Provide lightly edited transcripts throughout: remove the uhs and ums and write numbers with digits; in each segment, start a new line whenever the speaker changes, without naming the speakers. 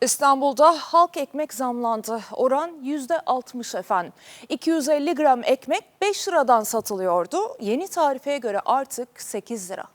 İstanbul'da halk ekmek zamlandı. Oran %60 efendim. 250 gram ekmek 5 liradan satılıyordu. Yeni tarifeye göre artık 8 lira.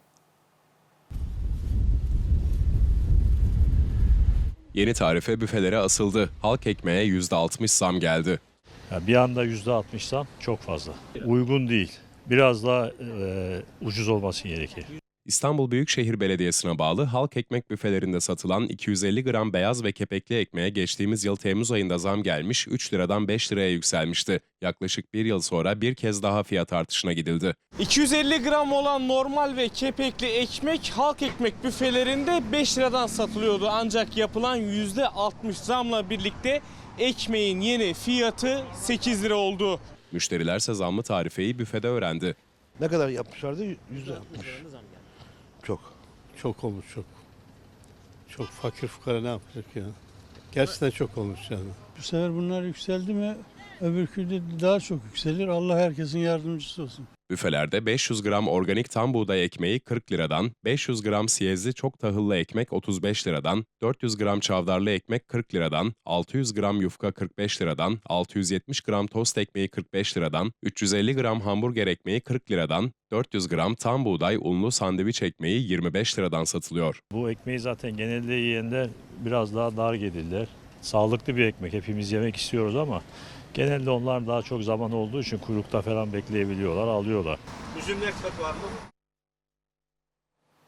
Yeni tarife büfelere asıldı. Halk ekmeğe %60 zam geldi.
Bir anda %60 zam çok fazla. Uygun değil. Biraz daha ucuz olması gerekir.
İstanbul Büyükşehir Belediyesi'ne bağlı halk ekmek büfelerinde satılan 250 gram beyaz ve kepekli ekmeğe geçtiğimiz yıl Temmuz ayında zam gelmiş, 3 liradan 5 liraya yükselmişti. Yaklaşık bir yıl sonra bir kez daha fiyat artışına gidildi.
250 gram olan normal ve kepekli ekmek halk ekmek büfelerinde 5 liradan satılıyordu. Ancak yapılan %60 zamla birlikte ekmeğin yeni fiyatı 8 lira oldu.
Müşterilerse zamlı tarifeyi büfede öğrendi.
Ne kadar yapmışlardı? %60. Çok.
Çok olmuş çok. Çok fakir fukara ne yapacak ya? Gerçekten çok olmuş yani. Bu sefer bunlar yükseldi mi öbürkü de daha çok yükselir. Allah herkesin yardımcısı olsun.
Büfelerde 500 gram organik tam buğday ekmeği 40 liradan, 500 gram siyezli çok tahıllı ekmek 35 liradan, 400 gram çavdarlı ekmek 40 liradan, 600 gram yufka 45 liradan, 670 gram tost ekmeği 45 liradan, 350 gram hamburger ekmeği 40 liradan, 400 gram tam buğday unlu sandviç ekmeği 25 liradan satılıyor.
Bu ekmeği zaten genelde yiyenler biraz daha dar gelirler. Sağlıklı bir ekmek. Hepimiz yemek istiyoruz ama genelde onlar daha çok zaman olduğu için kuyrukta falan bekleyebiliyorlar, alıyorlar.
Üzümler tadı var mı?